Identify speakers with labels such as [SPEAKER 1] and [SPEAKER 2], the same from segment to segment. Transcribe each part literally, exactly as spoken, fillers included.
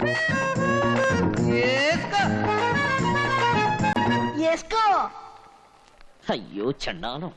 [SPEAKER 1] అయ్యో చండాలం.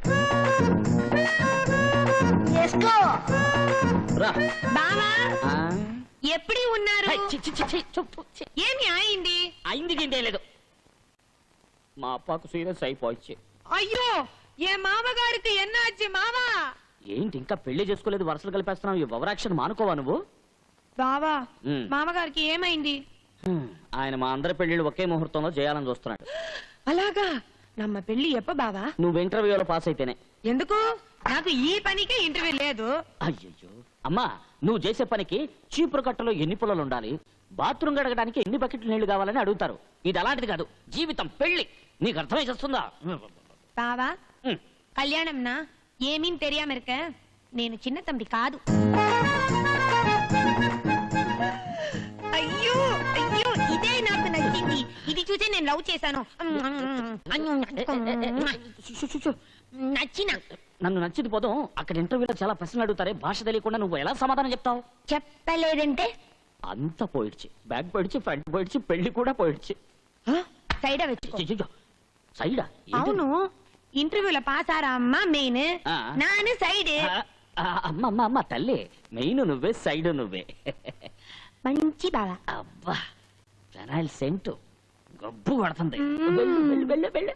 [SPEAKER 2] ఎప్పుడు ఉన్నారు? ఏమి అయింది?
[SPEAKER 1] అయింది గిందే లేదు, మా అప్పకు సీరియస్ అయిపోయి.
[SPEAKER 2] అయ్యో ఏ మామగారికి ఎన్నాచి మావా?
[SPEAKER 1] ఏంటి ఇంకా పెళ్లి చేసుకోలేదు, వరుసలు కలిపేస్తున్నావు? ఈ ఓవరాక్షన్ మానుకోవా నువ్వు?
[SPEAKER 2] బావా మామగారికి ఏమైంది?
[SPEAKER 1] ఆయన మా అందరి పెళ్లిళ్ళు ఒకే ముహూర్తంలో చేయాలని చూస్తున్నాడు.
[SPEAKER 2] అలాగా? నమ్మ పెళ్లి ఎప్ప బావా?
[SPEAKER 1] నువ్వు ఇంటర్వ్యూలో పాస్ అయితేనే.
[SPEAKER 2] ఎందుకు? నాకు ఈ పనికే ఇంటర్వ్యూ లేదు.
[SPEAKER 1] అయ్యయ్యో అమ్మా, నువ్వు చేసే పనికి చీపురు కట్టలో ఎన్ని పుల్లలు ఉండాలి, బాత్రూమ్ గడగడానికి ఎన్ని బకెట్లు నీళ్లు కావాలని అడుగుతారు. ఇది అలాంటిది కాదు, జీవితం పెళ్లి. నీకు అర్థమై చేస్తుందా?
[SPEAKER 2] బావా కళ్యాణంనా ఏమీ తెలియామ இருக்க, నేను చిన్న తమ్మి కాదు. అయ్యో అయ్యో ఇదే నాకు నచ్చింది. ఇది చూసే నేను లవ్ చేశాను. నచ్చిన
[SPEAKER 1] నన్ను నచ్చింది పోదాం. అక్కడ ఇంటర్వ్యూలో చాలా ప్రశ్నలు అడుగుతారే, భాష తెలియకుండా నువ్వు ఎలా సమాధానం చెప్తావు?
[SPEAKER 2] చెప్పలేదంటే
[SPEAKER 1] అంత పోయిడ్చి, బ్యాక్ పోయిడ్చి, ఫ్రంట్ పోయిడ్చి, పెళ్లి కూడా పోయిడ్చి.
[SPEAKER 2] సైడా వెచ్చుకో.
[SPEAKER 1] సైడా?
[SPEAKER 2] అవును, ఇంటర్వ్యూలో పాస్ ఆరా అమ్మా మెయిన్, నాను సైడ్.
[SPEAKER 1] అమ్మ అమ్మ అమ్మ తల్లి, మెయిన్ నువ్వే, సైడ్ నువ్వే.
[SPEAKER 2] మంచి బావా.
[SPEAKER 1] అబ్బా ఫెనాయిల్ సెంటు గబ్బు కొడుతుంది. వెళ్ళు వెళ్ళు వెళ్ళు వెళ్ళు.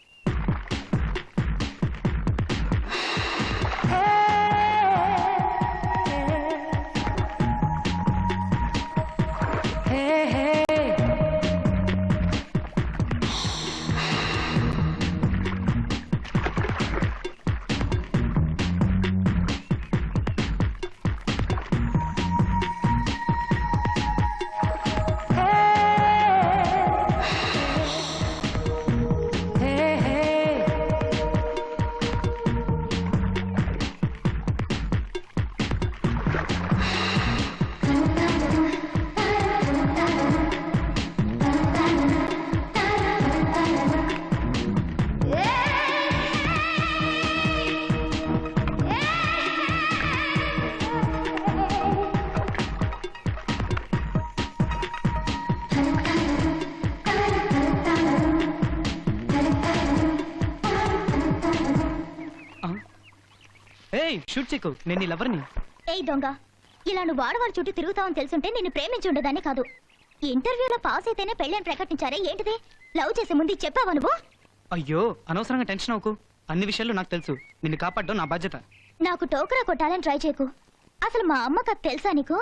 [SPEAKER 3] షూట్ చెక్కు, నేను లవర్ని.
[SPEAKER 4] ఏయ్ దొంగ, ఇలా నువ్వు ఆడవాడి చుట్టూ తిరుగుతావని తెలుసుంటే నిన్ను ప్రేమించి ఉండదాన్ని కాదు. ఇంటర్వ్యూలో పాస్ అయితేనే పెళ్ళని ప్రకటించారే, ఏంటిది? లవ్ చేసే ముందు చెప్పావా నువ్వు?
[SPEAKER 3] అయ్యో అనవసరంగా టెన్షన్ అవ్వకు, అన్ని విషయాలు నాకు తెలుసు. నిన్ను కాపాడడం నా బాధ్యత.
[SPEAKER 4] నాకు టోకరా కొట్టాలని ట్రై చేయకు. అసలు మా అమ్మకు అది తెలుసా నీకు?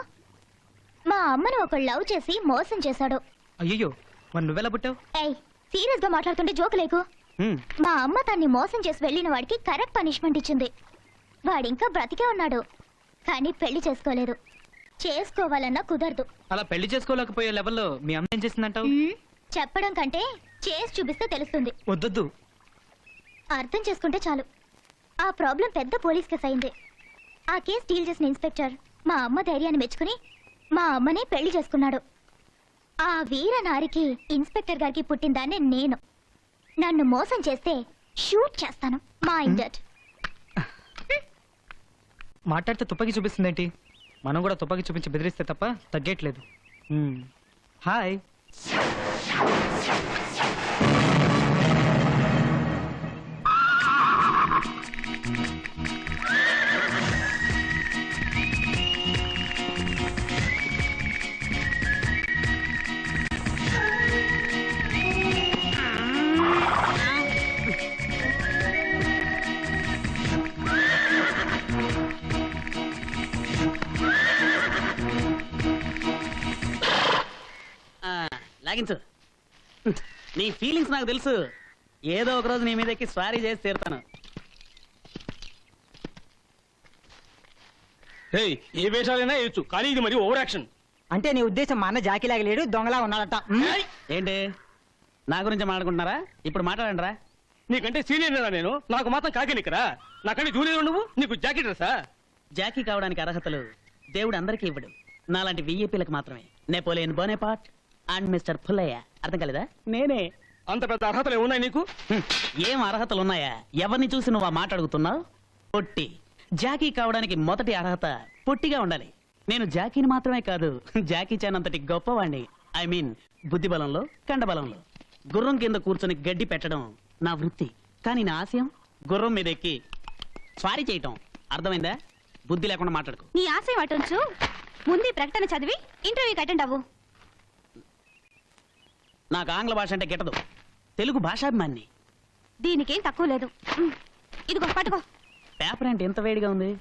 [SPEAKER 4] మా అమ్మను ఒక లవ్ చేసి మోసం చేశాడు.
[SPEAKER 3] అయ్యో మరి నువ్వెలా పుట్టావు?
[SPEAKER 4] ఏయ్ సీరియస్ గా మాట్లాడుతుంటే జోకు లేకు. మా అమ్మ తన్ని మోసం చేసి వెళ్ళిన వాడికి కరెక్ట్ పనిష్మెంట్ ఇచ్చింది. వాడింకా బ్రతికే ఉన్నాడు, కానీ పెళ్లి చేసుకోలేదు. చేసుకోవాలన్నా కుదరదు.
[SPEAKER 3] అలా పెళ్లి చేసుకోలేకపోయే లెవెల్లో మీ అమ్మ ఏం చేసిందంటావు?
[SPEAKER 4] చెప్పడం కంటే చేసి చూపిస్తే తెలుస్తుంది.
[SPEAKER 3] వద్దొద్దు,
[SPEAKER 4] అర్థం చేసుకుంటే చాలు. ఆ ప్రాబ్లం పెద్ద పోలీస్ కేసు అయింది. ఆ కేసు డీల్ చేసిన ఇన్స్పెక్టర్ మా అమ్మ ధైర్యాన్ని మెచ్చుకుని మా అమ్మనే పెళ్లి చేసుకున్నాడు. ఆ వీర నారికి ఇన్స్పెక్టర్ గారికి పుట్టిన దాన్ని నేను. నన్ను మోసం చేస్తే షూట్ చేస్తాను. మా ఇండట్
[SPEAKER 3] మాట్లాడితే తుపాకీ చూపిస్తుందేంటి? మనం కూడా తుపాకీ చూపించి బెదిరిస్తే తప్ప తగ్గట్లేదు. హాయ్.
[SPEAKER 5] లాగించు. నీ ఫీలింగ్స్ నాకు తెలుసు. ఏదో ఒక రోజు నీ మీదకి స్వారీ చేసి తీరుతాను.
[SPEAKER 6] ఏ వేషాలైనా వేయచ్చు, కానీ ఇది మరి ఓవర్ యాక్షన్.
[SPEAKER 7] అంటే నీ ఉద్దేశం మా అన్న జాకీలాగా లేడు, దొంగలా ఉన్నాడట.
[SPEAKER 5] ఏంటి నా గురించి మాట్లాడుకుంటున్నారా? ఇప్పుడు మాట్లాడండిరా.
[SPEAKER 6] నీకంటే సీనియర్ నేను, నాకు మాత్రం కాకి నిక్కరా. నాకంటే జూనియర్ నువ్వు, నీకు జాకీ డ్రెస్సా?
[SPEAKER 5] జాకీ కావడానికి అర్హతలు దేవుడు అందరికీ ఇవ్వడు, నాలాంటి విఐపీలకు మాత్రమే. Napoleon Bonaparte and mister Pullayya. అర్థం కాలేదా? నేనే.
[SPEAKER 6] అంత పెద్ద అర్హతలు ఏమున్నాయి నీకు?
[SPEAKER 5] ఏం అర్హతలు ఉన్నాయా? ఎవరిని చూసి నువ్వు ఆ మాట అడుగుతున్నావు? పొట్టి. జాకీ కావడానికి మొదటి అర్హత పొట్టిగా ఉండాలి. నేను జాకీని మాత్రమే కాదు జాకీ చాన్ అంతటి గొప్పవాణ్ణి. ఐ మీన్ బుద్ధి బలంలో కండబలంలో. గుర్రం కింద కూర్చొని గడ్డి పెట్టడం నా వృత్తి. కానీ నా ఆశయం గుర్రం మీద ఎక్కి స్వారీ చేయటం. అర్థమైందా? బుద్ధి లేకుండా మాట్లాడుకో.
[SPEAKER 2] నీ ఆశయం అటుంచు, ముందు ఈ ప్రకటన చదివి ఇంటర్వ్యూకి అటెండ్ అవ్వు.
[SPEAKER 5] నాకు ఆంగ్ల భాష అంటే గిట్టదు. తెలుగు భాషాభిమాన్ని.
[SPEAKER 2] దీనికేం తక్కువ లేదు. ఉమ్, ఇదిగో పట్టుకో.
[SPEAKER 5] పేపర్ అంటే ఎంత వేడిగా ఉంది.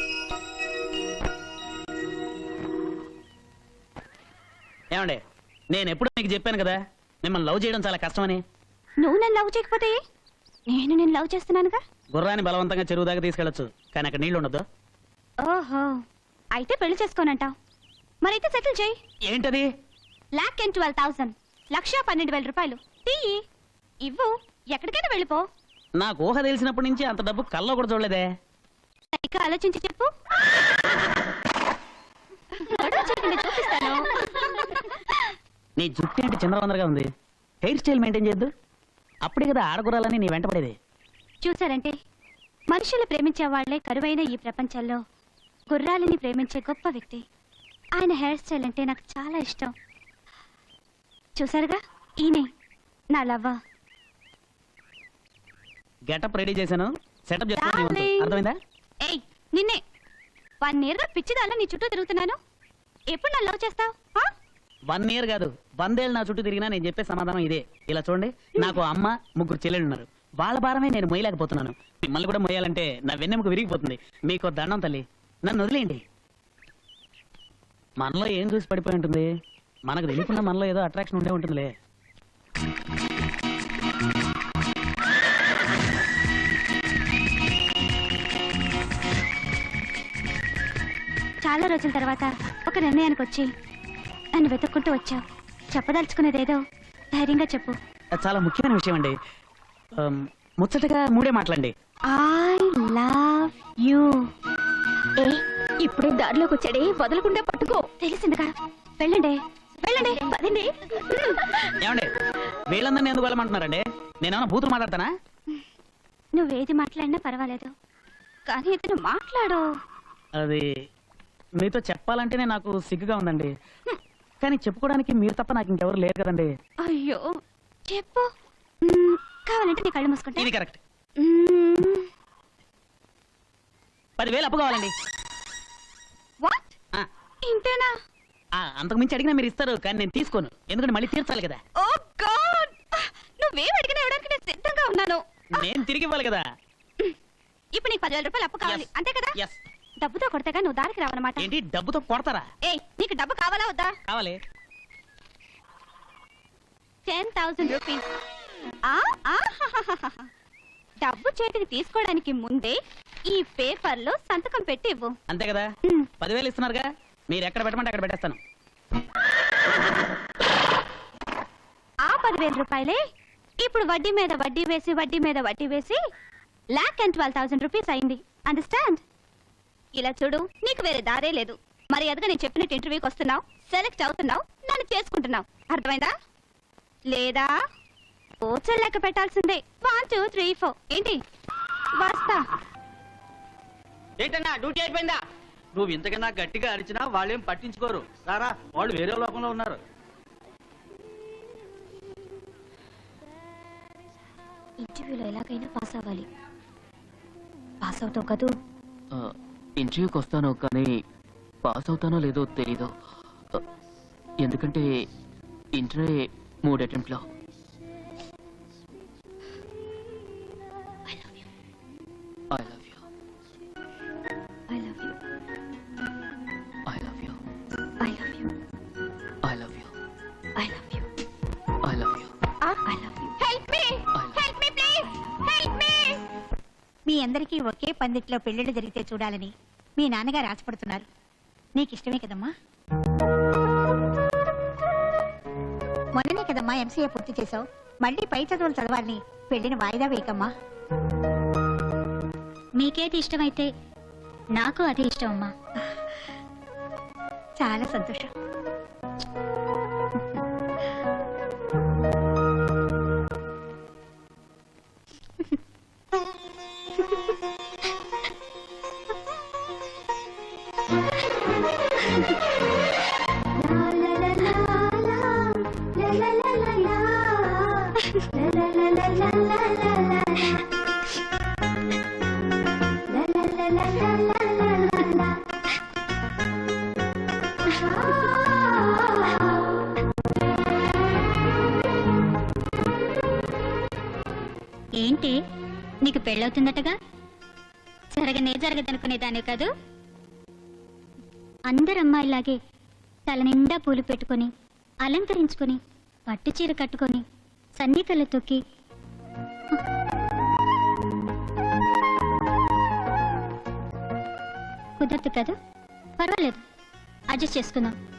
[SPEAKER 5] ఏమండే, నేను ఎప్పుడు మీకు చెప్పాను కదా మిమ్మల్ని లవ్ చేయడం చాలా కష్టమని.
[SPEAKER 2] నువ్వు నన్ను లవ్ చేయకపోతే నేను నేను లవ్ చేస్తున్నానుగా.
[SPEAKER 5] గుర్రాన్ని బలవంతంగా చెరువు దాకా తీసుకెళ్లొచ్చు, కానీ అక్కడ నీళ్లు ఉండదు.
[SPEAKER 2] ఓహో, అయితే పెళ్లి చేసుకోనంటావు. మరైతే సెటిల్ చేయి.
[SPEAKER 5] ఏంటది?
[SPEAKER 2] లాక్ అండ్ ట్వెల్వ్ థౌసండ్, లక్ష పన్నెండు వేల రూపాయలు తీయి, ఇవ్వు, ఎక్కడికైనా వెళ్ళిపో.
[SPEAKER 5] నాకు ఊహ తెలిసినప్పటి నుంచి అంత డబ్బు కల్లో కూడా చూడలేదే.
[SPEAKER 2] సరిగ్గా ఆలోచించి చెప్పు. గొడవ చేయకుండా చూపిస్తాను.
[SPEAKER 5] నీ జుట్టు ఏంటి చంద్రవందరగా ఉంది? హెయిర్ స్టైల్ మెయింటైన్ చేయొద్దు. అప్పుడే కదా ఆడగురాలని నీ వెంట పడేది.
[SPEAKER 2] చూసారంటే మనుషులు ప్రేమించే వాళ్లే కరువైన ఈ ప్రపంచంలో గుర్రాలని ప్రేమించే గొప్ప వ్యక్తి. ఆయన హెయిర్ స్టైల్ అంటే నాకు చాలా ఇష్టం. చూసారుగా, ఈయనే నా లవ్వ.
[SPEAKER 5] గెటప్ రెడీ చేశాను, సెటప్ చేస్తాను.
[SPEAKER 2] Darling.
[SPEAKER 5] అర్థమైందా?
[SPEAKER 2] ఏయ్, నిన్నే వన్ ఇయర్ గా పిచ్చిదాల్లో నీ చుట్టూ తిరుగుతున్నాను. ఎప్పుడు నన్ను లవ్ చేస్తావు?
[SPEAKER 5] వన్ ఇయర్ కాదు, వందేళ్ళు నా చుట్టూ తిరిగినా నేను చెప్పే సమాధానం ఇదే. ఇలా చూడండి, నాకు అమ్మ ముగ్గురు చెల్లెళ్ళు ఉన్నారు. వాళ్ళ భారమే నేను మొయ్యలేకపోతున్నాను. మిమ్మల్ని కూడా మొయ్యాలంటే నా వెన్నెముక విరిగిపోతుంది. మీకు దండం తల్లి, నన్ను వదిలేయండి. మనలో ఏం చూసి పడిపోయి ఉంటుంది? మనకు తెలియకుండా మనలో ఏదో అట్రాక్షన్ ఉండే ఉంటుందిలే.
[SPEAKER 2] చాలా రోజుల తర్వాత ఒక నిర్ణయానికి వచ్చి నన్ను వెతుక్కుంటూ వచ్చావు. చెప్పదలుచుకునేదేదో ధైర్యంగా చెప్పు.
[SPEAKER 5] అది చాలా ముఖ్యమైన విషయం అండి. ఆమ్, ముచ్చటగా మూడే మాటలండి.
[SPEAKER 2] I love you. ఏ, ఇప్పుడే దారిలోకి వచ్చాడే, వదలకుండా పట్టుకో. తెలిసిందిగా, వెళ్ళండి వెళ్ళండి పదండి.
[SPEAKER 5] ఏమండి, వీళ్ళందరినీ ఎందుకు వెళ్ళమంటున్నారండి? నేనేమన్నా బూతులు మాట్లాడతానా?
[SPEAKER 2] నువ్వేది మాట్లాడినా పర్వాలేదు, కానీ ఇతను మాట్లాడు.
[SPEAKER 5] అది మీతో చెప్పాలంటేనే నాకు సిగ్గుగా ఉందండి. కానీ చెప్పుకోవడానికి మీరు తప్ప నాకు ఇంకెవరు లేరు కదండి.
[SPEAKER 2] అయ్యో, చెప్పు. మ్మ్, కావాలంటే నీ కళ్ళు మూసుకుంటా.
[SPEAKER 5] ఇది కరెక్ట్.
[SPEAKER 2] మ్మ్,
[SPEAKER 5] పదివేలు అప్పు కావాలండి.
[SPEAKER 2] what?
[SPEAKER 5] ఆ,
[SPEAKER 2] ఇంతేనా?
[SPEAKER 5] ఆ, అంతకు మించి అడిగినా మీరు ఇస్తారు, కానీ నేను తీసుకోను. ఎందుకంటే మళ్ళీ తీర్చాలి కదా.
[SPEAKER 2] ఓ గాడ్, నువ్వేం అడిగినా ఇవ్వడానికి నేను సిద్ధంగా ఉన్నాను.
[SPEAKER 5] నేను తిరిగి ఇవ్వాలి కదా.
[SPEAKER 2] ఇప్పుడు నీకు పదివేల రూపాయలు అప్పు కావాలి,
[SPEAKER 5] Yes.
[SPEAKER 2] అంతే కదా?
[SPEAKER 5] ఎస్.
[SPEAKER 2] డబ్బుతో కొడతాగా నువ్వు దారికి రావన్నమాట.
[SPEAKER 5] ఏంటి, డబ్బుతో కొడతారా?
[SPEAKER 2] ఏ, నీకు డబ్బు కావాలా వద్దా?
[SPEAKER 5] కావాలి.
[SPEAKER 2] Ten thousand rupees. డబ్బు చేతికి తీసుకోవడానికి ముందే ఈ పేపర్ లో సంతకం పెట్టి ఇవ్వు.
[SPEAKER 5] అంతే కదా.
[SPEAKER 2] మ్.
[SPEAKER 5] పదివేలు ఇస్తున్నారుగా, మీరు ఎక్కడ పెట్టమంటే అక్కడ పెట్టేస్తాను.
[SPEAKER 2] ఆ పదివేల రూపాయలే ఇప్పుడు వడ్డీ మీద వడ్డీ వేసి వడ్డీ మీద వడ్డీ వేసి lakh and twelve thousand rupees అయింది. అండర్స్టాండ్? ఇలా చూడు, నీకు వేరే దారే లేదు. మరి అదిగా నేను చెప్పినట్టు ఇంటర్వ్యూకి వస్తున్నావు, సెలెక్ట్ అవుతున్నావు, నన్ను చేసుకుంటున్నావు. అర్థమైందా? లేదా ఓచర్ లెక్క పెట్టాల్సిందే. One two three four. ఏంటి, వస్తా.
[SPEAKER 8] ఏంటన్నా డ్యూటీ అయిపోయిందా? నువ్వు ఇంతకన్నా గట్టిగా అరిచినా వాళ్ళేం పట్టించుకోరు. సారా, వాళ్ళు వేరే లోకంలో ఉన్నారు.
[SPEAKER 2] ఇంటర్వ్యూలో ఎలాగైనా పాస్ అవ్వాలి. పాస్ అవుతావు కదూ?
[SPEAKER 1] ఇంటర్వ్యూకి వస్తాను, కానీ పాస్ అవుతానో లేదో తెలీదు. ఆ, ఎందుకంటే ఇంటర్వ్యూ మూడు అటెంప్ట్లో. I love you.
[SPEAKER 2] I love you.
[SPEAKER 1] I love you.
[SPEAKER 2] I love you.
[SPEAKER 1] I love you.
[SPEAKER 2] I love you.
[SPEAKER 1] I love you.
[SPEAKER 2] I love you. Help me, help me please, help me.
[SPEAKER 9] మీ అందరికీ ఒకే పందిట్లో పెళ్లిళ్ళు జరిగితే చూడాలని మీ నాన్నగారు ఆశపడుతున్నారు. నీకు ఇష్టమే కదమ్మా? మొన్ననే కదమ్మా ఎంసీఏ పూర్తి చేసావు. మళ్ళీ పై చదువులు చదవాలని పెళ్లిని వాయిదా వేయకమ్మా.
[SPEAKER 4] మీకేది ఇష్టమైతే నాకు అదే ఇష్టం అమ్మా.
[SPEAKER 9] చాలా సంతోషం.
[SPEAKER 2] ఏంటి నీకు పెళ్ళవుతుందటగా జరగనే జరగదనుకునేదాన్ని కాదు. అందరు అమ్మాయిలాగే తల నిండా పూలు పెట్టుకొని అలంకరించుకొని పట్టు చీర కట్టుకొని సన్నికలు తొక్కి కుదరదు కదా, పర్వాలేదు అడ్జస్ట్ చేసుకుందాం.